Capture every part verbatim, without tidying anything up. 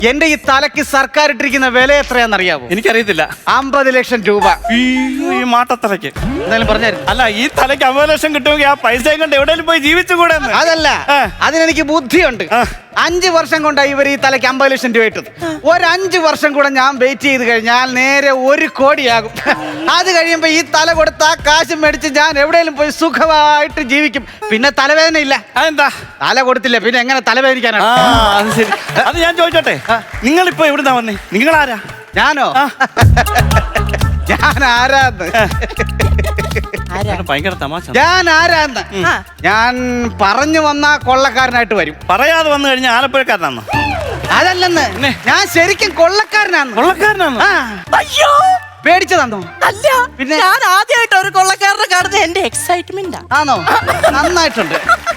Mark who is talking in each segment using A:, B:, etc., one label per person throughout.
A: എന്റെ ഈ തലയ്ക്ക് സർക്കാർ ഇട്ടിരിക്കുന്ന വില എത്രയാണെന്നറിയാവോ?
B: എനിക്കറിയത്തില്ല.
A: അമ്പത് ലക്ഷം രൂപ.
B: ഈ മാട്ടത്തലയ്ക്ക്
A: എന്തായാലും പറഞ്ഞായിരുന്നു.
B: അല്ല, ഈ തലയ്ക്ക് അമ്പത് ലക്ഷം കിട്ടുമെങ്കിൽ ആ പൈസയും കൊണ്ട് എവിടെയെങ്കിലും പോയി ജീവിച്ചുകൂടെ?
A: അതല്ല, അതിനെനിക്ക് ബുദ്ധിയുണ്ട്. അഞ്ചു വർഷം കൊണ്ടാണ് ഇവർ ഈ തലയ്ക്ക് അമ്പത് ലക്ഷം രൂപ ഇട്ടത്. ഒരു അഞ്ചു വർഷം കൂടെ ഞാൻ വെയിറ്റ് ചെയ്ത് കഴിഞ്ഞാൽ നേരെ ഒരു കോടിയാകും. അത് കഴിയുമ്പോ ഈ തല കൊടുത്ത ആ കാശ് മേടിച്ച് ഞാൻ എവിടെയെങ്കിലും പോയി സുഖമായിട്ട് ജീവിക്കും. പിന്നെ തലവേദന ഇല്ല.
B: അതെന്താ?
A: തല കൊടുത്തില്ല, പിന്നെ എങ്ങനെ തലവേദനിക്കാനാണ്?
B: അത് ശരി. അത് ഞാൻ ചോദിച്ചോട്ടെ, നിങ്ങളിപ്പോ എവിടുന്നാ വന്നേ? നിങ്ങളാരാ?
A: ഞാനോ? ഞാൻ ആരാന്ന്
B: ഭയങ്കര തമാശ.
A: ഞാൻ ആരാന്ന് ഞാൻ പറഞ്ഞു വന്ന കൊള്ളക്കാരനായിട്ട് വരും.
B: പറയാതെ വന്നു കഴിഞ്ഞാൽ ആലപ്പുഴക്കാരനാണോ?
A: അതല്ലെന്ന്, ഞാൻ ശരിക്കും കൊള്ളക്കാരനാണ്.
B: കൊള്ളക്കാരനാണോ?
C: അയ്യോ,
A: പേടിച്ചതാണോ?
C: അല്ല, പിന്നെ ഞാൻ ആദ്യമായിട്ട് ഒരു കൊള്ളക്കാരനെ കാണുന്നത് എന്റെ എക്സൈറ്റ്മെന്റ്
A: ആണോ? നന്നായിട്ടുണ്ട്.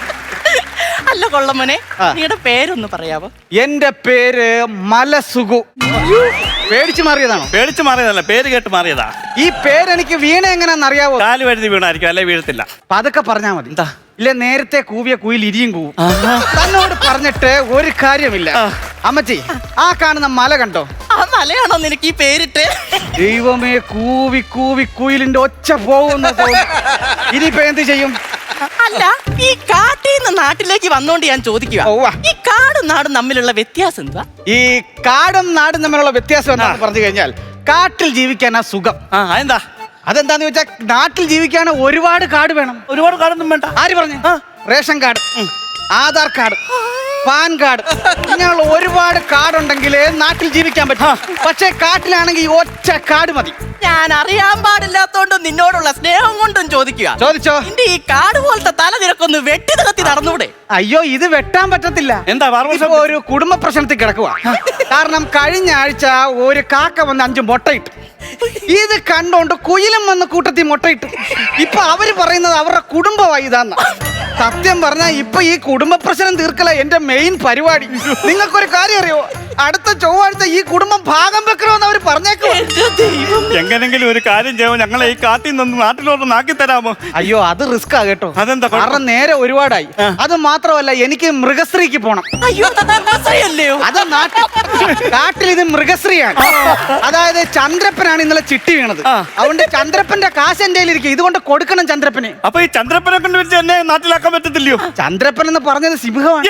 C: അല്ല കൊള്ളമ്മനെ, നിങ്ങളുടെ പേരൊന്ന് പറയാവോ?
A: എന്റെ പേര് മലസുഗു. പേടിച്ചു മാറിയതാണോ?
B: പേടിച്ചു മാറിയതല്ല, പേര് കേട്ട് മാറിയതാ.
A: ഈ പേരെനിക്ക് വീണ എങ്ങനെയാന്ന് അറിയാവോ?
B: കാല് വഴുതി വീണായിരിക്കും, അല്ലെ വീഴത്തില്ല.
A: പതുക്കെ പറഞ്ഞാ മതി. എന്താ ഇല്ല, നേരത്തെ കൂവിയ കുയിൽ ഇരിയും കൂവും. തന്നോട് പറഞ്ഞിട്ട് ഒരു കാര്യമില്ല. അമ്മച്ചി, ആ കാണുന്ന മല കണ്ടോ?
C: ആ മലയാണോ നിനക്ക് ഈ പേരിട്ട്?
A: ദൈവമേ, കൂവി കൂവി കുയിലിന്റെ ഒച്ച പോകുന്ന ഇനിയിപ്പോ എന്ത് ചെയ്യും?
C: അല്ല, ഈ കാട്ടിൽ നിന്ന് നാട്ടിലേക്ക് വന്നോണ്ട് ഞാൻ ചോദിക്കുക, ഈ കാടും നാടും തമ്മിലുള്ള വ്യത്യാസം എന്താ?
A: ഈ കാടും നാടും തമ്മിലുള്ള വ്യത്യാസം എന്താണെന്ന് പറഞ്ഞു കഴിഞ്ഞാൽ, കാട്ടിൽ ജീവിക്കാനാ സുഖം.
B: എന്താ?
A: അതെന്താന്ന് വെച്ചാൽ, നാട്ടിൽ ജീവിക്കാൻ ഒരുപാട് കാർഡ് വേണം.
B: ഒരുപാട് കാർഡൊന്നും വേണ്ട.
A: ആര് പറഞ്ഞു? Ration card, Aadhaar card, PAN card, ഇങ്ങനെയുള്ള ഒരുപാട് കാർഡ് ഉണ്ടെങ്കിലേ നാട്ടിൽ ജീവിക്കാൻ പറ്റും. പക്ഷേ കാട്ടിലാണെങ്കിൽ ഒറ്റ കാർഡ് മതി.
C: ഞാൻ അറിയാൻ പാടില്ലാത്തോണ്ട് നിന്നോടുള്ള സ്നേഹം കൊണ്ടും ചോദിക്കുക.
A: ചോദിച്ചോ.
C: നിന്റെ ഈ കാട് പോലത്തെ തല നിനക്കൊന്ന് വെട്ടി നികത്തി നടന്നൂടെ?
A: അയ്യോ, ഇത് വെട്ടാൻ പറ്റത്തില്ല.
B: എന്താ?
A: ഇപ്പൊ ഒരു കുടുംബ പ്രശ്നത്തിൽ കിടക്കുക. കാരണം കഴിഞ്ഞ ആഴ്ച ഒരു കാക്ക വന്ന് അഞ്ച് മുട്ടയിട്ട്. ഇത് കണ്ടോണ്ട് കുയിലും വന്ന് കൂട്ടത്തിൽ മുട്ടയിട്ട്. ഇപ്പൊ അവര് പറയുന്നത് അവരുടെ കുടുംബമായി ഇതാന്ന. സത്യം പറഞ്ഞാൽ ഇപ്പൊ ഈ കുടുംബ പ്രശ്നം തീർക്കല എന്റെ മെയിൻ പരിപാടി. നിങ്ങൾക്കൊരു കാര്യം അറിയോ? അടുത്ത ചൊവ്വാഴ്ച ഈ കുടുംബം ഭാഗം വെക്കണമെന്ന് അവര് പറഞ്ഞേക്കോ.
B: എങ്ങനെങ്കിലും ഒരു കാര്യം ചെയ്യുമോ, ഞങ്ങളെ ഈ കാട്ടിൽ നിന്ന് നാട്ടിലോട്ട് നാക്കി തരാമോ?
A: അയ്യോ, അത് റിസ്ക് ആ കേട്ടോ.
B: അതെന്താ?
A: കാരണം നേരെ ഒരുപാടായി. അത് മാത്രമല്ല, എനിക്ക് മൃഗശ്രീക്ക് പോണം.
C: അയ്യോ,
A: അത് നാട്ടിൽ കാട്ടിൽ ഇത് മൃഗശ്രീയാണ്. അതായത് ചന്ദ്രപ്പനാണ് ഇന്നലെ ചിട്ടി വീണത്. അതുകൊണ്ട് ചന്ദ്രപ്പന്റെ കാശ് എന്റെ ഇരിക്കും. ഇതുകൊണ്ട് കൊടുക്കണം ചന്ദ്രപ്പന്.
B: അപ്പൊ ഈ ചന്ദ്രപ്പനെ കൊണ്ട് വെച്ച് എന്നെ നാട്ടിലാക്കാൻ പറ്റത്തില്ലയോ?
A: ചന്ദ്രപ്പൻ എന്ന് പറഞ്ഞത് സിംഹമാണ്.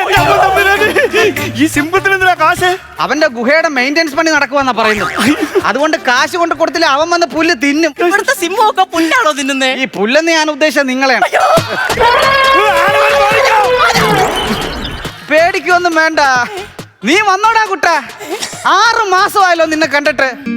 B: ഈ സിംഹത്തിന് എന്തിനാ കാശ്?
A: അവന്റെ ഗുഹയുടെ മെയിൻ്റെനൻസ് പണി നടക്കുവാന്നാ പറയുന്നത്. അതുകൊണ്ട് കാശ് കൊണ്ട് കൊടുത്തില്ല, അവൻ വന്ന് പുല്ല് തിന്നും.
C: ഇവിടുത്തെ സിംഹമൊക്കെ പുല്ലാണോ തിന്നുന്നേ?
A: ഈ പുല്ലെന്ന് ഞാൻ ഉദ്ദേശിച്ചത് നിങ്ങളെയാണ്. പേടിക്കൊന്നും വേണ്ട. നീ വന്നോടാ കുട്ടാ. ആറ് മാസമായല്ലോ നിന്നെ കണ്ടിട്ട്.